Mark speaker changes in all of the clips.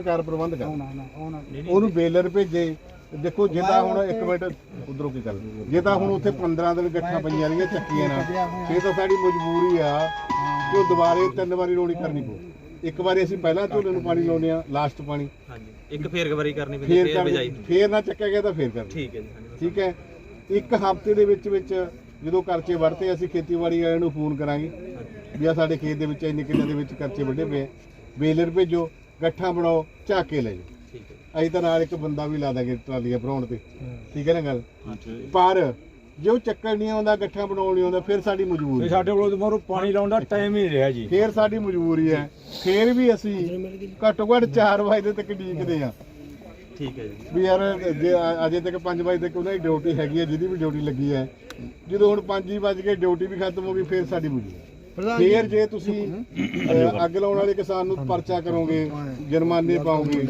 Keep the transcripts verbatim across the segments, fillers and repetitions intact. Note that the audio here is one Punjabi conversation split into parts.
Speaker 1: ਸਰਕਾਰ ਪ੍ਰਬੰਧ ਕਰ ਉਹਨੂੰ ਬੇਲਰ ਭੇਜੇ। ਦੇਖੋ ਜੇ ਤਾਂ ਹੁਣ ਇੱਕ ਮਿੰਟ ਉਧਰੋਂ ਕੀ ਕਰ ਜੇ ਤਾਂ ਹੁਣ ਉੱਥੇ ਪੰਦਰਾਂ ਦਿਨ ਗੱਠਾਂ ਪਈਆਂ ਰਹੀਆਂ ਚੱਕੀਆਂ ਨਾਲ ਫੇਰ ਤਾਂ ਸਾਡੀ ਮਜਬੂਰੀ ਆ ਕਿ ਉਹ ਦੁਬਾਰੇ ਤਿੰਨ ਵਾਰੀ ਰੋਣੀ ਕਰਨੀ ਪਊ। ਇੱਕ ਵਾਰੀ ਅਸੀਂ ਪਹਿਲਾਂ ਝੋਲੇ ਨੂੰ ਪਾਣੀ ਲਾਉਂਦੇ ਆ ਲਾਸਟ ਪਾਣੀ
Speaker 2: ਹਾਂਜੀ ਇੱਕ ਫੇਰ ਵਾਰੀ ਕਰਨੀ ਪੈਂਦੀ ਫੇਰ ਬਿਜਾਈ
Speaker 1: ਫੇਰ ਨਾ ਚੱਕਿਆ ਗਿਆ ਤਾਂ ਫੇਰ ਕਰਨੀ। ਠੀਕ ਹੈ ਜੀ ਠੀਕ ਹੈ। ਇੱਕ ਹਫ਼ਤੇ ਦੇ ਵਿੱਚ ਵਿੱਚ ਜਦੋਂ ਕਰਚੇ ਵੜਤੇ ਅਸੀਂ ਖੇਤੀਬਾੜੀ ਵਾਲਿਆਂ ਨੂੰ ਫੋਨ ਕਰਾਂਗੇ ਵੀ ਆ ਸਾਡੇ ਖੇਤ ਦੇ ਵਿੱਚ ਇੰਨੇ ਕਿੱਲਿਆਂ ਦੇ ਵਿੱਚ ਕਰਚੇ ਵੱਢੇ ਪਏ ਬੇਲਰ ਭੇਜੋ ਗੱਠਾਂ ਬਣਾਓ ਝਾਕ ਕੇ ਲੈ ਜਾਓ। ਅਸੀਂ ਤਾਂ ਨਾਲ ਇੱਕ ਬੰਦਾ ਵੀ ਲਾ ਦਾਂਗੇ ਟਰਾਲੀਆਂ ਭਰਾਉਣ ਤੇ। ਠੀਕ ਹੈ ਨਾ ਗੱਲ। ਪਰ ਜੇ ਉਹ ਚੱਕਰ ਨਹੀਂ ਆਉਂਦਾ ਗੱਠਾਂ ਬਣਾਉਣ ਨਹੀਂ ਆਉਂਦਾ ਫਿਰ ਸਾਡੀ ਮਜਬੂਰੀ ਸਾਡੇ ਕੋਲ ਮੋਰ ਪਾਣੀ ਲਾਉਣ ਦਾ ਟਾਈਮ ਹੀ ਨਹੀਂ ਰਿਹਾ ਜੀ। ਫਿਰ ਸਾਡੀ ਮਜਬੂਰੀ ਹੈ ਫਿਰ ਵੀ ਅਸੀਂ ਘੱਟੋ ਘੱਟ ਚਾਰ ਵਜੇ ਤੱਕ ਡੀਕਦੇ ਆ।
Speaker 2: ਠੀਕ ਹੈ ਜੀ
Speaker 1: ਵੀ ਯਾਰ ਜੇ ਅਜੇ ਤੱਕ ਪੰਜ ਵਜੇ ਤੱਕ ਉਹਨਾਂ ਦੀ ਡਿਊਟੀ ਹੈਗੀ ਹੈ ਜਿਹਦੀ ਵੀ ਡਿਊਟੀ ਲੱਗੀ ਹੈ। ਜਦੋਂ ਹੁਣ ਪੰਜ ਹੀ ਵੱਜ ਕੇ ਡਿਊਟੀ ਵੀ ਖਤਮ ਹੋ ਗਈ ਫਿਰ ਸਾਡੀ ਮਜਬੂਰੀ। ਫੇਰ ਜੇ ਤੁਸੀਂ ਅੱਗ ਲਾਉਣ ਵਾਲੇ ਕਿਸਾਨ ਨੂੰ ਪਰਚਾ ਕਰੋਗੇ ਜੁਰਮਾਨੇ ਪਾਓਗੇ।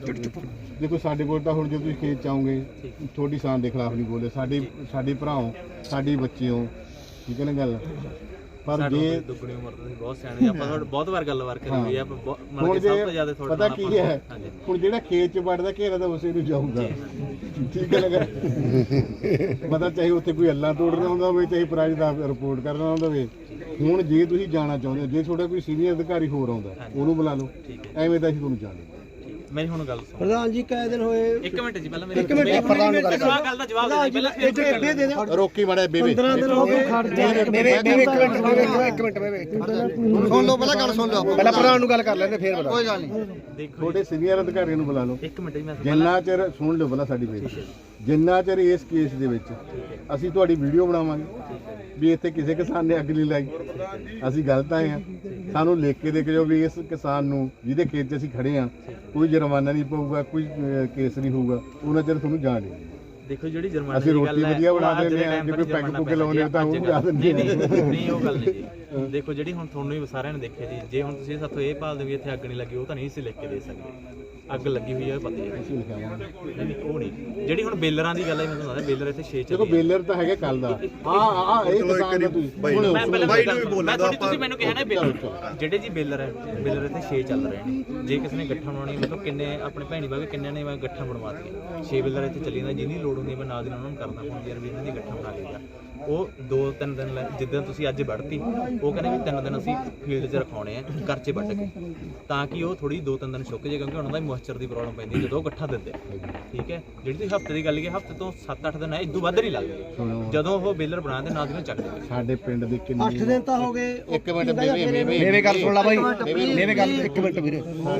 Speaker 1: ਦੇਖੋ ਸਾਡੇ ਕੋਲ ਤਾਂ ਹੁਣ ਜੇ ਤੁਸੀਂ ਖੇਤ ਚ ਆਓਗੇ ਤੁਹਾਡੀ ਸ਼ਾਨ ਦੇ ਖਿਲਾਫ ਨਹੀਂ ਬੋਲੇ ਸਾਡੇ ਸਾਡੇ ਭਰਾਓ ਸਾਡੇ ਬੱਚੇ ਹੋ। ਠੀਕ ਹੈ ਨਾ ਗੱਲ। ਪਰ ਜੇ
Speaker 2: ਦੁੱਗਣੀ ਉਮਰ ਤੁਸੀਂ ਬਹੁਤ ਸਿਆਣੇ ਆਪਾਂ ਤੁਹਾਡੇ ਬਹੁਤ ਵਾਰ ਗੱਲਬਾਤ ਕਰੀ ਹੋਈ ਆ ਮਤਲਬ ਕਿ ਸਭ ਤੋਂ ਜ਼ਿਆਦਾ ਤੁਹਾਡਾ
Speaker 1: ਪਤਾ ਕੀ ਹੈ ਹੁਣ ਜਿਹੜਾ ਖੇਤ ਚ ਵੜਦਾ ਘੇਰਾ ਤਾਂ ਉਸੇ ਨੂੰ ਜਾਊਗਾ। ਠੀਕ ਹੈ ਨਾ ਮਤਲਬ ਚਾਹੇ ਉੱਥੇ ਕੋਈ ਅੱਲਾ ਤੋੜਨਾ ਹੁੰਦਾ ਹੋਵੇ ਚਾਹੇ ਪ੍ਰਾਈਜ਼ ਦਾ ਰਿਪੋਰਟ ਕਰਨਾ ਹੁੰਦਾ ਹੋਵੇ। ਹੁਣ ਜੇ ਤੁਸੀਂ ਜਾਣਾ ਚਾਹੁੰਦੇ ਹੋ ਜੇ ਤੁਹਾਡਾ ਕੋਈ ਸੀਨੀਅਰ ਅਧਿਕਾਰੀ ਹੋਰ ਆਉਂਦਾ ਉਹਨੂੰ ਬੁਲਾ ਲਓ ਐਵੇਂ ਤਾਂ ਅਸੀਂ ਤੁਹਾਨੂੰ ਜਾਣਦੇ।
Speaker 2: ਮੇਰੀ ਹੁਣ ਗੱਲ ਸੁਣੋ
Speaker 3: ਪ੍ਰਧਾਨ ਜੀ ਕਾਇ ਦਿਨ ਹੋਏ
Speaker 2: ਇੱਕ ਮਿੰਟ ਜੀ ਪਹਿਲਾਂ ਮੇਰੀ
Speaker 3: ਇੱਕ ਮਿੰਟ ਪ੍ਰਧਾਨ ਨੂੰ ਗੱਲ
Speaker 2: ਗੱਲ ਦਾ ਜਵਾਬ ਦੇ ਪਹਿਲਾਂ
Speaker 3: ਇਹ ਬੇਬੇ ਦੇ ਦੇ
Speaker 1: ਰੋਕੀ ਮਾੜਾ ਬੇਬੇ
Speaker 3: ਪੰਦਰਾਂ ਦਿਨ ਹੋ ਗਏ ਖੜ ਜਾ ਬੇਬੇ ਇੱਕ ਮਿੰਟ ਇੱਕ ਮਿੰਟ ਬੇਬੇ ਸੁਣ ਲਓ ਪਹਿਲਾਂ ਗੱਲ ਸੁਣ ਲਓ ਪਹਿਲਾਂ ਪ੍ਰਧਾਨ ਨੂੰ ਗੱਲ ਕਰ ਲੈਂਦੇ ਫੇਰ ਬਤਾ ਕੋਈ ਗੱਲ ਨਹੀਂ।
Speaker 2: ਦੇਖੋ
Speaker 1: ਤੁਹਾਡੇ ਸੀਨੀਅਰ ਅਧਿਕਾਰੀ ਨੂੰ ਬੁਲਾ ਲਓ
Speaker 2: ਇੱਕ ਮਿੰਟ ਜੀ ਮੈਂ
Speaker 1: ਜਿੰਨਾ ਚਿਰ ਸੁਣ ਲਓ ਪਹਿਲਾਂ ਸਾਡੀ ਬੇਨਤੀ ਜਿੰਨਾ ਚਿਰ ਇਸ ਕੇਸ ਦੇ ਵਿੱਚ ਅਸੀਂ ਤੁਹਾਡੀ ਵੀਡੀਓ ਬਣਾਵਾਂਗੇ ਵੀ ਇੱਥੇ ਕਿਸੇ ਕਿਸਾਨ ਨੇ ਅੱਗ ਨਹੀਂ ਲਾਈ ਅਸੀਂ ਗਲਤ ਆਏ ਆ ਸਾਨੂੰ ਲਿਖ ਕੇ ਦੇ ਕੇ ਜਾਓ ਵੀ ਇਸ ਕਿਸਾਨ ਨੂੰ ਜਿਹਦੇ ਖੇਤ 'ਚ ਅਸੀਂ ਖੜੇ ਆ ਕੋਈ ਜੁਰਮਾਨਾ ਨਹੀਂ ਪਊਗਾ ਕੋਈ ਕੇਸ ਨਹੀਂ ਹੋਊਗਾ ਉਹਨਾਂ ਚਿਰ ਤੁਹਾਨੂੰ ਜਾਣ ਨਹੀਂ।
Speaker 2: ਦੇਖੋ ਜਿਹੜੀ ਜੁਰਮਾਨੇ
Speaker 1: ਅਸੀਂ ਰੋਟੀ ਵਧੀਆ ਬਣਾ ਦਿੰਦੇ ਆ ਜੇ ਕੋਈ ਪੈਗ ਪੁੱਗ ਲਾਉਂਦੇ ਤਾਂ ਉਹ ਬਣਾ ਦਿੰਦੇ
Speaker 2: ਨਹੀਂ ਉਹ ਗੱਲ ਨਹੀਂ ਜੀ। ਦੇਖੋ ਜਿਹੜੀ ਹੁਣ ਤੁਹਾਨੂੰ ਵੀ ਸਾਰਿਆਂ ਨੇ ਦੇਖਿਆ ਜੀ ਜੇ ਹੁਣ ਤੁਸੀਂ ਸਾਥੋਂ ਇਹ ਭਾਲਦੇ ਵੀ ਇੱਥੇ ਅੱਗ ਨਹੀਂ ਲੱਗੀ ਉਹ ਤਾਂ ਨਹੀਂ ਸੀ ਲਿਖ ਕੇ ਦੇ ਸਕਦੇ। ਅੱਗ ਲੱਗੀ ਹੋਈ ਹੈ ਪਤਾ ਹੈ ਨਹੀਂ ਉਹ ਨਹੀਂ ਜਿਹੜੀ ਹੁਣ ਬੇਲਰਾਂ ਦੀ ਗੱਲ ਹੈ ਮੈਂ ਤੁਹਾਨੂੰ ਦੱਸਦਾ ਬੇਲਰ ਇੱਥੇ ਛੇ ਚੱਲੇ।
Speaker 1: ਦੇਖੋ ਬੇਲਰ ਤਾਂ ਹੈਗਾ ਕੱਲ ਦਾ ਆ ਆ ਇਹ ਕਿਸਾਨ ਦਾ ਤੁਸੀਂ
Speaker 2: ਮੈਂ ਪਹਿਲਾਂ ਬਾਈ ਨੂੰ ਵੀ ਬੋਲਣਾ ਤੁਸੀਂ ਮੈਨੂੰ ਕਿਹਾ ਨਾ ਬੇਲਰ ਜਿਹੜੇ ਜੀ ਬੇਲਰ ਹੈ ਬੇਲਰ ਇੱਥੇ ਛੇ ਚੱਲ ਰਹੇ ਨੇ। ਜੇ ਕਿਸੇ ਨੇ ਗੱਠਾਂ ਬਣਾਉਣੀ ਮਤਲਬ ਕਿੰਨੇ ਆਪਣੇ ਭੈਣੀ ਬਾਗੇ ਕਿੰਨਿਆਂ ਨੇ ਮੈਂ ਗੱਠਾਂ ਬਣਵਾ ਦਿੱਤੀਆਂ ਛੇ ਬੇਲਰ ਇੱਥੇ ਚੱਲੀ ਜਾਂਦਾ ਜਿਹਦੀ ਲੋੜ ਹੁੰਦੀ ਮੈਂ ਨਾਲ ਦੀ ਉਹਨਾਂ ਨੂੰ ਕਰਦਾ ਹੁਣ ਯਾਰ ਵੀ ਇਹਨਾਂ ਦੀ ਗੱਠਾਂ ਬਣਾ ਲਈਦਾ। ਉਹ ਦੋ ਤਿੰਨ ਦਿਨ ਜਿੱਦਾਂ ਤੁਸੀਂ ਅੱਜ ਵੱਢਤੀ ਉਹ ਕਹਿੰਦੇ ਵੀ ਤਿੰਨ ਦਿਨ ਅਸੀਂ ਫੀਲਡ 'ਚ ਰਖਾਉਣੇ ਆ ਕਰਚੇ ਵੱਢ ਕੇ ਤਾਂ ਕਿ ਉਹ ਥੋੜੀ ਦੋ ਤਿੰਨ ਦਿਨ ਸੁੱਕ ਜੇ ਕਿਉਂਕਿ ਉਹਨਾਂ ਦਾ ਮੋਇਸਚਰ ਦੀ ਪ੍ਰੋਬਲਮ ਪੈਂਦੀ ਜਦੋਂ ਉਹ ਗੱਠਾਂ ਦਿੰਦੇ। ਠੀਕ ਹੈ ਜਿਹੜੀ ਤੁਸੀਂ ਹਫ਼ਤੇ ਦੀ ਗੱਲ ਕੀ ਹਫ਼ਤੇ ਤੋਂ ਸੱਤ ਅੱਠ ਦਿਨ ਹੈ ਇਦੋਂ ਵੱਧ ਨਹੀਂ ਲੱਗਦੇ ਜਦੋਂ ਉਹ ਬੇਲਰ ਬਣਾਉਂਦੇ ਨਾਲ ਦੀ ਨਾਲ ਚੱਕ ਦਿੰਦੇ।
Speaker 1: ਸਾਡੇ ਪਿੰਡ ਦੇ ਕਿੰਨੇ
Speaker 3: ਅੱਠ ਦਿਨ ਤਾਂ ਹੋ ਗਏ।
Speaker 1: ਇੱਕ ਮਿੰਟ ਬੇਬੇ ਬੇਬੇ
Speaker 3: ਮੇਰੀ ਗੱਲ ਸੁਣ ਲੈ ਬਾਈ ਮੇਰੀ ਗੱਲ ਇੱਕ ਮਿੰਟ ਵੀਰੇ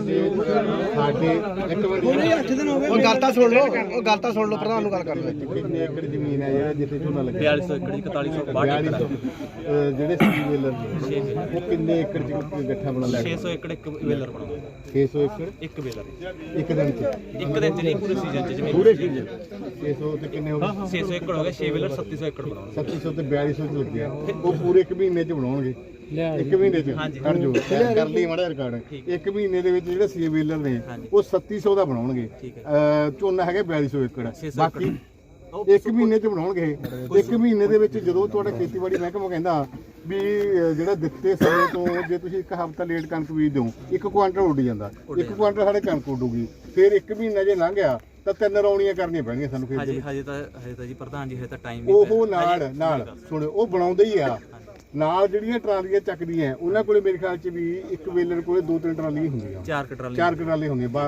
Speaker 1: ਸਾਡੇ ਇੱਕ ਮਿੰਟ
Speaker 3: ਉਹਨੇ ਅੱਠ ਦਿਨ ਹੋ ਗਏ ਉਹ ਗੱਲ ਤਾਂ ਸੁਣ ਲਓ ਉਹ ਗੱਲ ਤਾਂ ਸੁਣ ਲਓ ਪ੍ਰਧਾਨ ਨੂੰ ਗੱਲ ਕਰ ਲੈ।
Speaker 1: ਕਿੰਨੇ ਏਕੜ ਜ਼ਮੀਨ ਹੈ ਜਿਹੜਾ ਜਿੱਥੇ ਝੋਨਾ ਲੱਗਿਆ
Speaker 2: ਬਿਆਲੀ ਸੌ ਏਕੜ ਇਕਤਾਲੀ ਸੌ ਬਾਹਠ ਏਕੜ
Speaker 1: ਜਿਹੜੇ ਸੀ ਵੇਲਰ ਉਹ ਕਿੰਨੇ ਏਕੜ ਚ ਗੱਠਾ ਬਣਾ ਲਿਆ
Speaker 2: ਛੇ ਸੌ ਏਕੜ ਇੱਕ ਵੇਲਰ ਬਣਾਉਂਦਾ
Speaker 1: ਛੇ ਸੌ ਏਕੜ
Speaker 2: ਇੱਕ ਵੇਲਰ
Speaker 1: ਇੱਕ ਦਿਨ ਚ
Speaker 2: ਇੱਕ ਦਿਨ ਚ ਨਹੀਂ ਪੂਰੇ ਸੀਜ਼ਨ ਚ ਜਿਵੇਂ
Speaker 1: ਪੂਰੇ ਸੀਜ਼ਨ ਛੇ ਸੌ ਤੇ ਕਿੰਨੇ ਹੋ ਗਏ
Speaker 2: ਛੇ ਸੌ ਏਕੜ ਹੋ ਗਿਆ ਛੇ ਵੇਲਰ ਸੱਤੀ ਸੌ ਏਕੜ ਬਣਾਉਂਦਾ
Speaker 1: ਸੱਤੀ ਸੌ ਤੇ ਬਿਆਲੀ ਸੌ ਚ ਲੱਗਿਆ ਉਹ ਪੂਰੇ ਇੱਕ ਮਹੀਨੇ ਚ ਬਣਾਉਣਗੇ। ਇੱਕ ਮਹੀਨੇ ਚ ਕੱਢ ਜੋ ਕਰ ਲਈ ਮਾੜਾ ਰਿਕਾਰਡ ਇੱਕ ਮਹੀਨੇ ਦੇ ਵਿੱਚ ਜਿਹੜੇ ਸੀ ਵੇਲਰ ਨੇ ਉਹ ਸੱਤੀ ਸੌ ਦਾ ਬਣਾਉਣਗੇ। ਝੋਨਾ ਹੈਗਾ ਬਿਆਲੀ ਸੌ ਏਕੜ ਬਾਕੀ ਇੱਕ ਮਹੀਨੇ ਚ ਬਣਾਉਣਗੇ। ਇੱਕ ਮਹੀਨੇ ਦੇ ਵਿੱਚ ਜਦੋਂ ਤੁਹਾਡਾ ਖੇਤੀਬਾੜੀ ਮਹਿਕਮਾ ਕਹਿੰਦਾ ਵੀ ਜਿਹੜਾ ਦਿੱਤੇ ਸਮੇਂ ਤੋਂ ਜੇ ਤੁਸੀਂ ਇੱਕ ਹਫ਼ਤਾ ਲੇਟ ਕਣਕ ਬੀਜ ਦਿਓ ਇੱਕ ਕੁਆਂਟਲ ਉੱਡ ਜਾਂਦਾ ਇੱਕ ਕੁਆਂਟਲ ਸਾਡੇ ਕਣਕ ਉੱਡੂਗੀ ਫਿਰ ਇੱਕ ਮਹੀਨਾ ਜੇ ਲੰਘ ਗਿਆ ਤਾਂ ਤਿੰਨ ਰੌਣੀਆਂ ਕਰਨੀਆਂ ਪੈਣਗੀਆਂ ਸਾਨੂੰ ਖੇਤ ਦੇ
Speaker 2: ਹਜੇ ਤਾਂ ਹਜੇ ਤਾਂ ਜੀ ਪ੍ਰਧਾਨ ਜੀ ਹਜੇ ਤਾਂ ਟਾਈਮ
Speaker 1: ਉਹ ਨਾਲ ਨਾਲ ਸੁਣਿਓ ਉਹ ਬਣਾਉਂਦੇ ਹੀ ਆ ਨਾਲ ਜਿਹੜੀਆਂ ਟਰਾਲੀਆਂ ਚੱਕਦੀਆਂ ਉਹਨਾਂ ਕੋਲੇ ਮੇਰੇ ਖਿਆਲ ਚ ਵੀ ਇੱਕ ਵੇਲਰ ਕੋਲੇ ਦੋ ਤਿੰਨ ਟਰਾਲੀਆਂ ਹੁੰਦੀਆਂ
Speaker 2: ਚਾਰ ਟਰਾਲੀਆਂ
Speaker 1: ਚਾਰ ਟਰਾਲੀਆਂ ਹੁੰਦੀਆਂ ਬਾ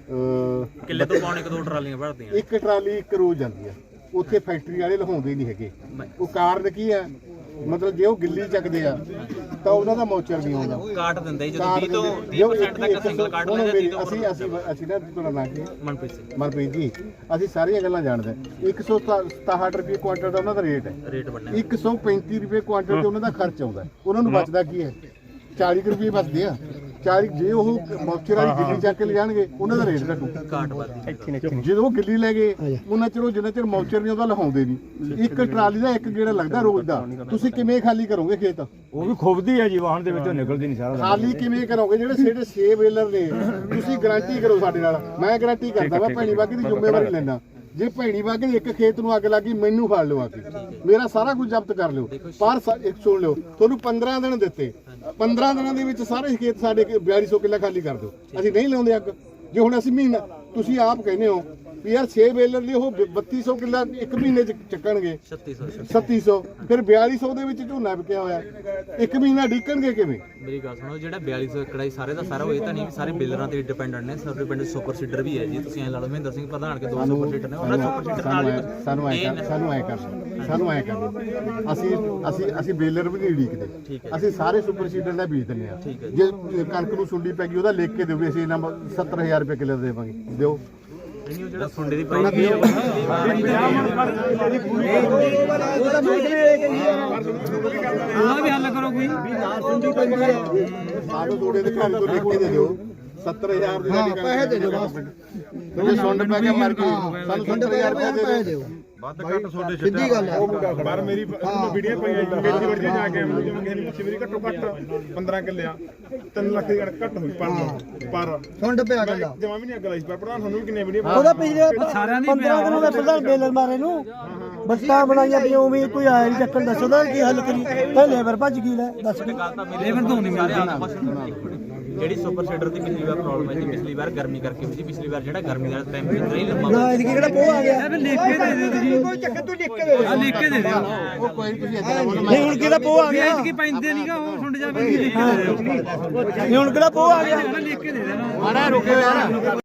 Speaker 2: ਕਿੱਲੇ ਤੋਂ ਪਾਉਣੇ ਇੱਕ ਦੋ ਟਰਾਲੀਆਂ ਭਰਦੀਆਂ
Speaker 1: ਇੱਕ ਟਰਾਲੀ ਇੱਕ ਰੋਜ਼ ਜਾਂਦੀ ਆ ਉੱਥੇ ਫੈਕਟਰੀ ਵਾਲੇ ਲਹਾਉਂਦੇ ਨਹੀਂ ਹੈਗੇ। ਉਹ ਕਾਰਨ ਕੀ ਹੈ ਮਤਲਬ ਜੇ ਉਹ ਗਿੱਲੀ ਚੱਕਦੇ ਆ ਤਾਂ ਉਹਨਾਂ ਦਾ ਮੌਚਰ ਨਹੀਂ ਆਉਂਦਾ
Speaker 2: ਕਾਟ ਦਿੰਦਾ ਜੀ ਜਦੋਂ ਵੀਹ ਤੋਂ ਤੀਹ ਪਰਸੈਂਟ ਤੱਕ ਸਿੰਗਲ ਕਾਟ ਲੈਂਦੇ
Speaker 1: ਅਸੀਂ ਅਸੀਂ ਅਸੀਂ ਨਾ ਤੁਹਾਡਾ ਨਾਂ ਕੀ
Speaker 2: ਮਨਪ੍ਰੀਤ ਸਿੰਘ
Speaker 1: ਮਨਪ੍ਰੀਤ ਜੀ ਅਸੀਂ ਸਾਰੀਆਂ ਗੱਲਾਂ ਜਾਣਦੇ ਇੱਕ ਸੌ ਸਤਾਹਠ ਰੁਪਏ ਕੁਆਂਟਲ ਦਾ ਉਹਨਾਂ ਦਾ ਰੇਟ ਹੈ
Speaker 2: ਰੇਟ ਬਣਿਆ
Speaker 1: ਇੱਕ ਸੌ ਪੈਂਤੀ ਰੁਪਏ ਕੁਆਂਟਲ ਤੇ ਉਹਨਾਂ ਦਾ ਖਰਚ ਆਉਂਦਾ ਉਹਨਾਂ ਨੂੰ ਬਚਦਾ ਕੀ ਹੈ ਚਾਲੀ ਰੁਪਏ ਬਚਦੇ ਆ ਚਾਲੀ ਜੇ ਉਹ ਮੌਚਰ ਵਾਲੀ ਗਿੱਲੀ ਚੱਕ ਕੇ ਲੈ ਜਾਣਗੇ ਉਹਨਾਂ ਦਾ ਰੇਟ ਘਟੂ
Speaker 2: ਕਾਟ ਵੱਧਦੀ
Speaker 1: ਜਦੋਂ ਉਹ ਗਿੱਲੀ ਲੈ ਗਏ ਉਹਨਾਂ ਚਿਰ ਜਿੰਨਾ ਚਿਰ ਮੌਚਰ ਨਹੀਂ ਉਹਦਾ ਲਹਾਉਂਦੇ ਨਹੀਂ ਇੱਕ ਟਰਾਲੀ ਦਾ ਇੱਕ ਗੇੜਾ ਲੱਗਦਾ ਰੋਜ਼ ਦਾ ਤੁਸੀਂ ਕਿਵੇਂ ਖਾਲੀ ਕਰੋਗੇ ਖੇਤ
Speaker 4: ਉਹ ਵੀ ਖੁੱਬਦੀ ਹੈ ਜੀ ਵਾਹਣ ਦੇ ਵਿੱਚੋਂ ਨਿਕਲਦੀ ਨਹੀਂ ਸਾਰਾ
Speaker 1: ਖਾਲੀ ਕਿਵੇਂ ਕਰੋਗੇ ਜਿਹੜੇ ਜਿਹੜੇ ਛੇ ਵੇਲਰ ਨੇ ਤੁਸੀਂ ਗਾਰੰਟੀ ਕਰੋ ਸਾਡੇ ਨਾਲ ਮੈਂ ਗਾਰੰਟੀ ਕਰਦਾ ਮੈਂ ਭੈਣੀ ਬਾਗੀ ਦੀ ਜ਼ਿੰਮੇਵਾਰੀ ਲੈਣਾ ਜੇ ਭੈਣੀ ਬਾਗੀ ਦੇ ਇੱਕ ਖੇਤ ਨੂੰ ਅੱਗ ਲੱਗੀ ਮੈਨੂੰ ਫੜ ਲਿਓ ਆ ਕੇ ਮੇਰਾ ਸਾਰਾ ਕੁਝ ਜ਼ਬਤ ਕਰ ਲਿਓ ਪਰ ਇੱਕ ਸੁਣ ਲਿਓ ਤੁਹਾਨੂੰ ਪੰਦਰਾਂ ਦਿਨ ਦਿੱਤੇ ਪੰਦਰਾਂ ਦਿਨਾਂ ਦੇ ਵਿੱਚ ਸਾਰੇ ਖੇਤ ਸਾਡੇ ਬਿਆਲੀ ਸੌ ਕਿੱਲਾ ਖਾਲੀ ਕਰ ਦਿਓ ਅਸੀਂ ਨਹੀਂ ਲਾਉਂਦੇ ਅੱਗ ਜੇ ਹੁਣ ਅਸੀਂ ਮਹੀਨਾ ਤੁਸੀਂ ਆਪ ਕਹਿੰਦੇ ਹੋ ਵੀ ਯਾਰ ਛੇ ਬੇਲਰ ਲਈ ਉਹ ਬੱਤੀ ਸੌ ਕਿੱਲਾ ਇੱਕ ਮਹੀਨੇ ਚ ਚੱਕਣਗੇ
Speaker 2: ਛੱਤੀ ਸੌ
Speaker 1: ਛੱਤੀ ਸੌ ਫਿਰ ਬਿਆਲੀ ਸੌ ਦੇ ਵਿੱਚ ਝੋਨਾ ਵਿਕਿਆ ਹੋਇਆ ਇੱਕ ਮਹੀਨਾ ਡੀਕਣਗੇ ਕਿਵੇਂ?
Speaker 2: ਮੇਰੀ ਗੱਲ ਸੁਣੋ, ਜਿਹੜਾ ਬਿਆਲੀ ਸੌ ਏਕੜ ਹੈ ਸਾਰੇ ਦਾ ਸਾਰਾ ਉਹ ਇਹ ਤਾਂ ਨਹੀਂ ਵੀ ਸਾਰੇ ਬੇਲਰਾਂ ਤੇ ਡਿਪੈਂਡੈਂਟ ਨੇ। ਸਾਰੇ ਪਿੰਡ ਸੁਪਰ ਸੀਡਰ ਵੀ ਹੈ ਜੀ, ਤੁਸੀਂ ਐ ਲਾ ਲਓ ਮਹਿੰਦਰ ਸਿੰਘ ਪ੍ਰਧਾਨ ਕੇ ਦੋ ਸੁਪਰ ਸੀਡਰ ਨੇ, ਉਹਨਾਂ ਸੁਪਰ ਸੀਡਰ ਨਾਲ ਹੀ
Speaker 1: ਸਾਨੂੰ ਐ ਕਰ ਸਾਨੂੰ ਐ ਕਰ ਸਾਨੂੰ ਐ ਕਰ ਅਸੀਂ ਅਸੀਂ ਅਸੀਂ ਬੇਲਰ ਵੀ ਨਹੀਂ ਡੀਕਦੇ, ਅਸੀਂ ਸਾਰੇ ਸੁਪਰ ਸੀਡਰ ਦਾ ਬੀਜ ਦਿੰਦੇ ਆ। ਜੇ ਕਣਕ ਨੂੰ ਸੁੰਡੀ ਪੈ ਗਈ ਉਹਦਾ ਲਿਖ ਕੇ ਦਿਓ ਵੀ ਅਸੀਂ ਇਹਨਾਂ ਸੱਤਰ ਹਜ਼ਾਰ ਰੁਪਏ ਕਿੱਲੇ ਦੇਵਾਂਗੇ, ਦਿਓ।
Speaker 2: ਨਹੀਂ, ਉਹ ਜਿਹੜਾ ਸੁੰਡੇ ਦੀ ਪਾਈ ਵੀ ਉਹਦਾ ਵੀ ਹੱਲ ਕਰੋ ਕੋਈ।
Speaker 1: ਸਾਨੂੰ ਥੋੜੇ ਦੇ ਘਰ ਤੋਂ ਲਿਖ ਕੇ ਦੇ ਦਿਓ ਸੱਤਰ ਹਜ਼ਾਰ ਦੀ ਸਾਡੀ ਪੈਸੇ ਦੇ ਦਿਓ ਬਸ। ਜੇ ਸੁੰਡ ਪੈ ਕੇ ਮਰ ਗਈ ਸਾਨੂੰ ਸੱਤਰ ਹਜ਼ਾਰ ਰੁਪਏ ਦੇ ਦਿਓ।
Speaker 3: ਵੱਧ ਘੱਟ ਤੁਹਾਡੇ ਸਿੱਧੀ ਗੱਲ ਹੈ।
Speaker 5: ਪਰ ਮੇਰੀ ਵੀਡੀਓ ਪਈ ਹੈ ਖੇਤੀ ਵੜੀ ਜਾ ਕੇ ਜਿਵੇਂ ਕਿਸੇ ਨੂੰ ਮੇਰੀ ਘੱਟੋ ਘੱਟ ਪੰਦਰਾਂ ਕਿੱਲੇ ਆ ਤਿੰਨ ਲੱਖ ਦੀ ਕਣਕ ਘੱਟ ਹੋਈ ਪਰ ਪਰ
Speaker 3: ਸੁੰਡ ਪਿਆ ਗੱਲਾਂ
Speaker 5: ਜਮਾ ਵੀ ਨਹੀਂ ਅੱਗ ਲਾਈ ਪਰ ਪ੍ਰਧਾਨ ਤੁਹਾਨੂੰ ਵੀ ਕਿੰਨੇ ਵੀਡੀਓ
Speaker 6: ਉਹਦਾ ਪਿਛਲੇ ਸਾਰਿਆਂ ਦੀ ਪੰਦਰਾਂ ਦਿਨਾਂ ਦਾ ਪ੍ਰਧਾਨ ਬੇਲਰ ਮਾਰੇ ਨੂੰ ਬੱਸਾਂ ਬਣਾਈਆਂ ਪਈਆਂ ਉਵੇਂ ਕੋਈ ਆਇਆ ਨਹੀਂ ਚੱਕਣ। ਦੱਸੋ ਦਾ ਕੀ ਹੱਲ ਕਰੀ? ਤੇ ਲੇਬਰ ਭੱਜ ਗਈ ਲੈ ਦੱਸ।
Speaker 2: ਲੇਬਰ ਤੋਂ ਨਹੀਂ ਮਿਲਦੀ। ਜਿਹੜੀ ਸੁਪਰ ਸੀਡਰ ਦੀ ਪਿਛਲੀ ਵਾਰ ਪ੍ਰੋਬਲਮ ਆਈ ਸੀ, ਪਿਛਲੀ ਵਾਰ ਗਰਮੀ ਕਰਕੇ ਹੋਈ ਸੀ। ਪਿਛਲੀ ਵਾਰ ਜਿਹੜਾ ਗਰਮੀ ਦਾ ਟੈਂਪਰੇਚਰ ਹੀ ਲੰਮਾ
Speaker 6: ਨਾ ਇਹਦੀ ਕਿਹੜਾ ਪੋਹ ਆ ਗਿਆ?
Speaker 3: ਲਿਖ ਕੇ ਦੇ ਦਿਓ ਤੁਸੀਂ। ਕੋਈ ਚੱਕਰ ਤੂੰ ਲਿਖ ਕੇ ਦੇ
Speaker 6: ਆ ਲਿਖ ਕੇ ਦੇ ਦਿਓ।
Speaker 1: ਉਹ ਕੋਈ ਤੁਸੀਂ ਇਦਾਂ ਬੋਲੋ
Speaker 6: ਨਹੀਂ ਹੁਣ ਕਿਹੜਾ ਪੋਹ ਆ ਗਿਆ?
Speaker 3: ਕੀ ਪੈਂਦੇ ਨਹੀਂਗਾ ਉਹ ਸੁੰਡ ਜਾਵੇ ਲਿਖ ਕੇ ਦੇ ਦਿਓ।
Speaker 6: ਨਹੀਂ ਹੁਣ ਕਿਹੜਾ ਪੋਹ ਆ ਗਿਆ?
Speaker 3: ਲਿਖ ਕੇ ਦੇ ਦੇਣਾ।
Speaker 1: ਮਾੜਾ ਰੁਕਿਓ ਯਾਰ।